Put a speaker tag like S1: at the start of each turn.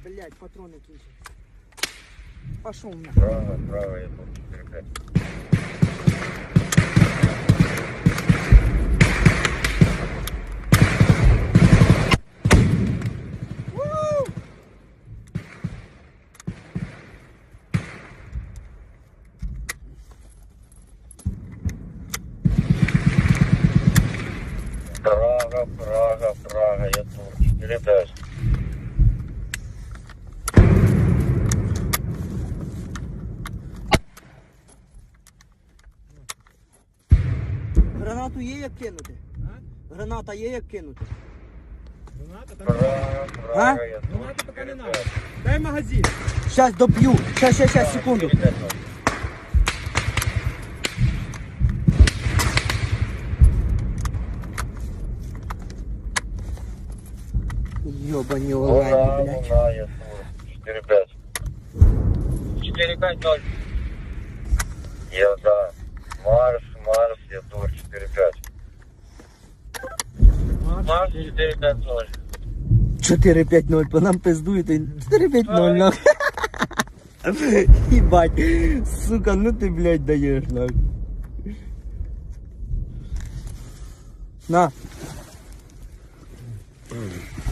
S1: Блять, патроны кончились. Пошел на.
S2: Право, я тут 4-5. Прага, я тут 4-5.
S1: Гранату є як кинути? Граната є як кинути?
S2: Прага, я тут
S3: Граната пока не надо.
S2: 4-5.
S3: Дай магазин.
S1: Щас доп'ю. Щас, секунду.
S2: 4-5.
S1: Ёбані олені, блядь.
S2: Луна, я тут 4-5. 4-5-0. Я да. Марс, я тут 4-5. Марс 4-5-0.
S1: 4-5-0, по нам пиздують. 4-5-0, нахуй. Ебать, сука, ну ты, блядь, даешь, нахуй. На.